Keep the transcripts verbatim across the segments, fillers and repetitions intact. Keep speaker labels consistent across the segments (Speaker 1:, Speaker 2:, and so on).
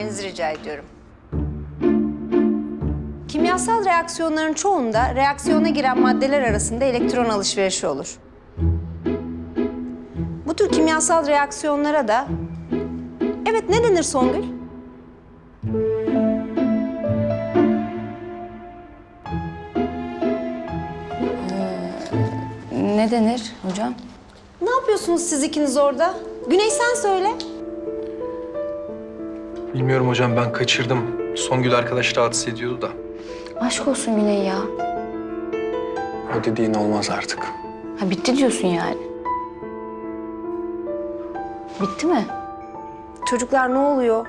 Speaker 1: etmenizi rica ediyorum. Kimyasal reaksiyonların çoğunda reaksiyona giren maddeler arasında elektron alışverişi olur. Bu tür kimyasal reaksiyonlara da... Evet, ne denir Songül?
Speaker 2: Ne denir hocam?
Speaker 1: Ne yapıyorsunuz siz ikiniz orada? Güney sen söyle.
Speaker 3: Bilmiyorum hocam, ben kaçırdım. Songül arkadaş rahatsız ediyordu da.
Speaker 2: Aşk olsun Güney ya.
Speaker 3: O dediğin olmaz artık.
Speaker 2: Ha bitti diyorsun yani. Bitti mi?
Speaker 1: Çocuklar ne oluyor?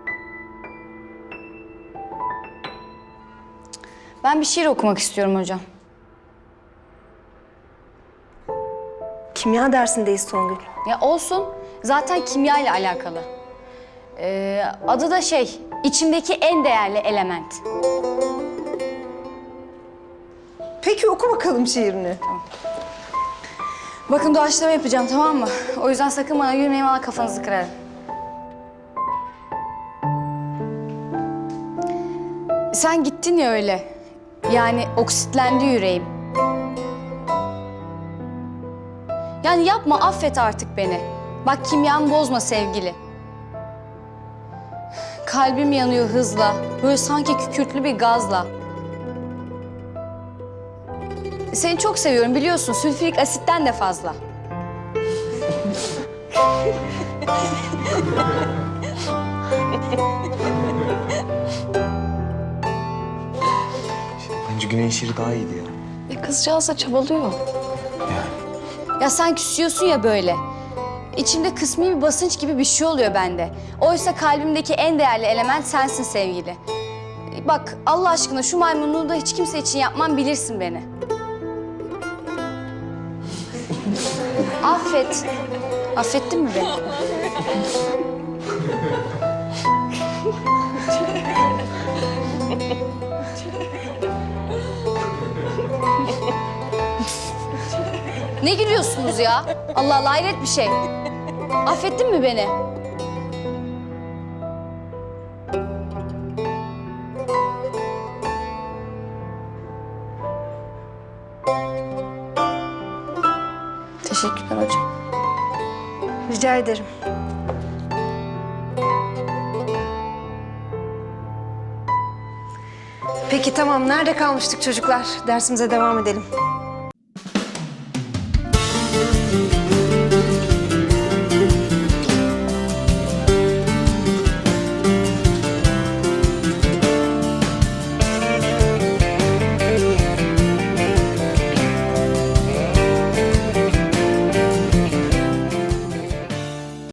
Speaker 2: Ben bir şiir okumak istiyorum hocam.
Speaker 1: Kimya dersindeyiz Songül.
Speaker 2: Ya olsun. Zaten kimya ile alakalı. Ee, adı da şey, içimdeki en değerli element.
Speaker 1: Peki oku bakalım şiirini.
Speaker 2: Bakın doğaçlama yapacağım, tamam mı? O yüzden sakın bana gülmeyin, valla kafanızı kırarım. Sen gittin ya öyle. Yani oksitlendi yüreğim. Yani yapma, affet artık beni. Bak kimyamı bozma sevgili. Kalbim yanıyor hızla. Böyle sanki kükürtlü bir gazla. Seni çok seviyorum biliyorsun. Sülfürik asitten de fazla.
Speaker 4: Bence Güney'in şiiri daha iyiydi ya.
Speaker 2: E kızcağız da çabalıyor.
Speaker 4: Yani.
Speaker 2: Ya sen küsüyorsun ya böyle. İçimde kısmi bir basınç gibi bir şey oluyor bende. Oysa kalbimdeki en değerli element sensin sevgili. Bak Allah aşkına şu maymunluğu da hiç kimse için yapmam, bilirsin beni. Affet. Affettin mi beni? Ne gülüyorsunuz ya? Allah Allah, hayret bir şey. Affettin mi beni? Teşekkürler hocam.
Speaker 1: Rica ederim. Peki tamam, nerede kalmıştık çocuklar? Dersimize devam edelim.